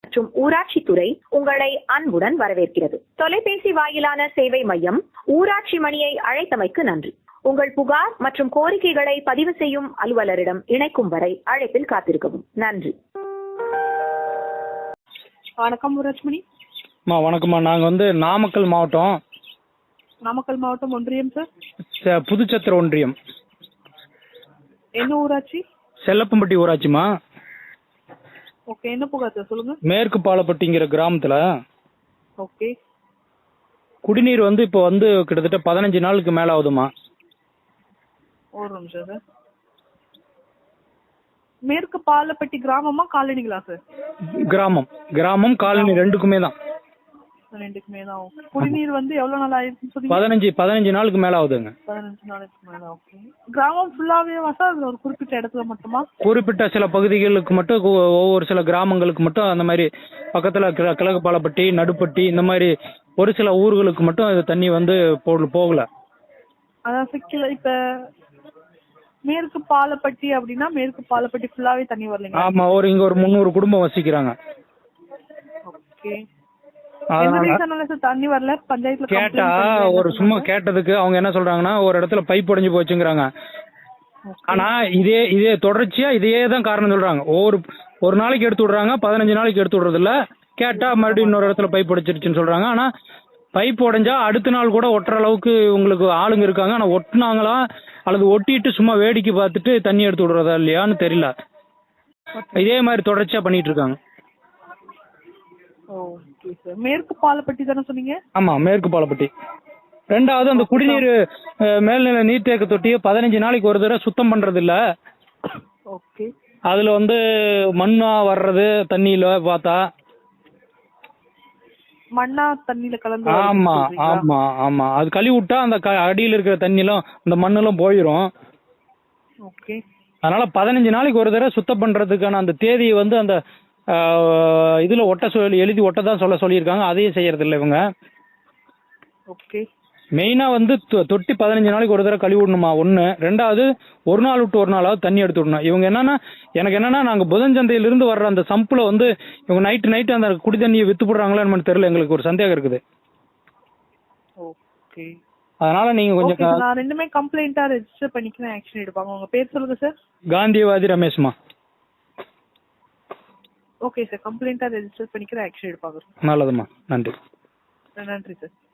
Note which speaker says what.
Speaker 1: மற்றும் ஊராட்சி துறை உங்களை அன்புடன் வரவேற்கிறது. தொலைபேசி வாயிலான சேவை மையம் ஊராட்சி மணியை அழைத்தமைக்கு நன்றி. உங்கள் புகார் மற்றும் கோரிக்கைகளை பதிவு செய்யும் அலுவலரிடம் இணைக்கும் வரை அழைப்பில் காத்திருக்கவும். நன்றி.
Speaker 2: வணக்கம் ஊராட்சி மணி.
Speaker 3: வணக்கம்மா. நாங்கள் நாமக்கல் மாவட்டம்
Speaker 2: ஒன்றியம் சார்.
Speaker 3: புதுச்சத்திர ஒன்றியம்.
Speaker 2: என்ன ஊராட்சி?
Speaker 3: செல்லப்பம்பட்டி ஊராட்சிமா.
Speaker 2: ஓகே, என்ன புகார் சார், சொல்லுங்க.
Speaker 3: மேற்கு பாலப்பட்டிங்கிற கிராமத்துல
Speaker 2: ஓகே,
Speaker 3: குடிநீர் இப்போ கிட்டத்தட்ட 15 நாளுக்கு மேல ஆகுதுமா.
Speaker 2: ஒரு நிமிஷம் சார். மேற்கு பாலப்பட்டி கிராமமா காலனிங்களா சார்?
Speaker 3: கிராமம் காலனி ரெண்டுக்குமே தான்.
Speaker 2: ரெண்டுக்குமே தான். குடிநீர் எவ்வளவு நாள் ஆயிடுச்சுன்னு சொன்னீங்க?
Speaker 3: 15 நாளுக்கு மேல ஆகுதுங்க.
Speaker 2: 15 நாளுக்கு மேல. ஓகே. கிராமம் ஃபுல்லாவேவா சார், ஒரு குறிப்பிட்ட இடத்துல மட்டுமா?
Speaker 3: குறிப்பிட்ட சில பகுதிகளுக்கு மட்டும், ஒவ்வொரு சில கிராமங்களுக்கு மட்டும் அந்த மாதிரி பக்கத்துல கிழக்கு பாலப்பட்டி, நடுப்பட்டி, இந்த மாதிரி ஒரு சில ஊர்களுக்கு மட்டும் அது தண்ணி போகல.
Speaker 2: அதான் சிக்கல. இப்ப மேற்கு பாலப்பட்டி அப்படின்னா மேற்கு பாலப்பட்டி ஃபுல்லாவே தண்ணி வரலங்க.
Speaker 3: ஆமா, இங்க ஒரு 300 குடும்பம் வசிக்கிறாங்க.
Speaker 2: ஓகே. தண்ணி வரல பஞ்சாயத்துல
Speaker 3: கேட்டா, சும்மா கேட்டதுக்கு அவங்க என்ன சொல்றாங்கன்னா, ஒரு இடத்துல பைப் உடைஞ்சு போச்சுங்கிறாங்க. ஆனா இதே தொடர்ச்சியா இதே தான் காரணம் சொல்றாங்க. ஒரு நாளைக்கு எடுத்து விடுறாங்க, 15 நாளைக்கு எடுத்து விடுறது இல்ல. கேட்டா மறுபடியும் இன்னொரு இடத்துல பைப் உடைச்சிருச்சுன்னு சொல்றாங்க. ஆனா பைப் உடைஞ்சா அடுத்த நாள் கூட ஒட்டுற அளவுக்கு உங்களுக்கு ஆளுங்க இருக்காங்க. ஆனா ஒட்டுனாங்களா அல்லது ஒட்டிட்டு சும்மா வேடிக்கை பார்த்துட்டு தண்ணி எடுத்து விடுறதா இல்லையான்னு தெரியல. இதே மாதிரி தொடர்ச்சியா பண்ணிட்டு இருக்காங்க.
Speaker 2: Okay sir. மேற்கு பாலப்பட்டி தானே சொன்னீங்க?
Speaker 3: ஆமா, மேற்கு பாலப்பட்டி. ரெண்டாவது, அந்த குடிநீர் மேல்நிலை நீர்த்தேக்க தொட்டியை 15 நாளைக்கு ஒரு தடவை சுத்தம் பண்றது இல்ல.
Speaker 2: ஓகே.
Speaker 3: அதுல மண்ணா வர்றது தண்ணியில பார்த்தா.
Speaker 2: மண்ணா தண்ணியில கலந்து.
Speaker 3: ஆமா ஆமா ஆமா. அது கழுவி விட்டா அந்த அடியில் இருக்கிற தண்ணிலாம் அந்த மண்ணெல்லாம் போயிடும்.
Speaker 2: ஓகே.
Speaker 3: அதனால 15 நாளைக்கு ஒரு தடவை சுத்தம் பண்றதுக்கான அந்த தேதியை அந்த இதுல எழுதி ஒட்டதான் சொல்லியிருக்காங்க. அதையும் செய்யறது இல்லை இவங்க.
Speaker 2: ஓகே.
Speaker 3: மெயினா தொட்டி 15 நாளைக்கு ஒரு தடவை கழுவி விடணுமா ஒண்ணு. ரெண்டாவது, ஒரு நாள் விட்டு ஒரு நாளாவது தண்ணி எடுத்து விடணும். இவங்க என்னன்னா நாங்க புதன்சந்தையில இருந்து வர்ற அந்த சம்புல இவங்க நைட்டு அந்த குடி தண்ணியை வித்து போடுறாங்களா தெரியல. எங்களுக்கு ஒரு சந்தேகம் இருக்குது.
Speaker 2: ஓகே.
Speaker 3: அதனால நீங்க கொஞ்சம்
Speaker 2: நான் ரெண்டுமே கம்ப்ளைண்டா ரெஜிஸ்டர் பண்ணிக்கிறேன், ஆக்ஷன் எடுப்பாங்க. உங்க பேர் சொல்லுங்க சார்.
Speaker 3: காந்தியவாதி ரமேஷ்மா.
Speaker 2: ஓகே சார், கம்ப்ளைண்டா ரெஜிஸ்டர் பண்ணிக்கிறேன், ஆக்ஷன் எடுப்பாங்க.
Speaker 3: நல்லதுமா, நன்றி.
Speaker 2: நன்றி சார்.